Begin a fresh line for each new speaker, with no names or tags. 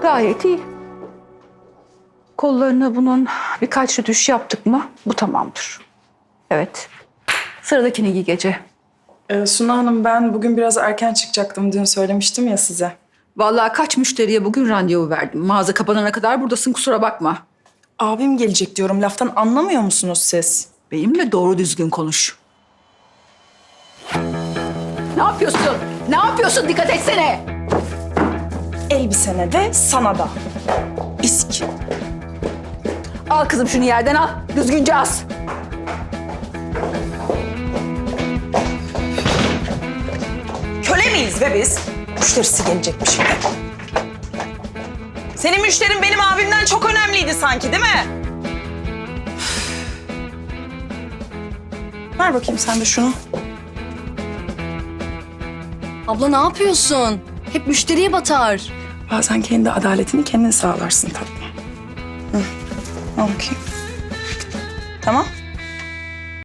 Gayet iyi. Kollarına bunun birkaç rütüş yaptık mı bu tamamdır. Evet. Sıradakini giy gece.
Suna Hanım, ben bugün biraz erken çıkacaktım. Dün söylemiştim ya size.
Vallahi kaç müşteriye bugün randevu verdim. Mağaza kapanana kadar buradasın, kusura bakma.
Abim gelecek diyorum. Laftan anlamıyor musunuz siz?
Benimle doğru düzgün konuş. Ne yapıyorsun? Ne yapıyorsun? Dikkat etsene.
Elbisene de sana da. İsk.
Al kızım şunu yerden al. Düzgünce as.
Köle miyiz be biz? Müşterisi gelecekmiş şimdi. Senin müşterin benim abimden çok önemliydi sanki, değil mi? Ver bakayım sen de şunu.
Abla ne yapıyorsun? Hep müşteriye batar.
Bazen kendi adaletini kendin sağlarsın tatlım. Hı. Al bakayım. Tamam.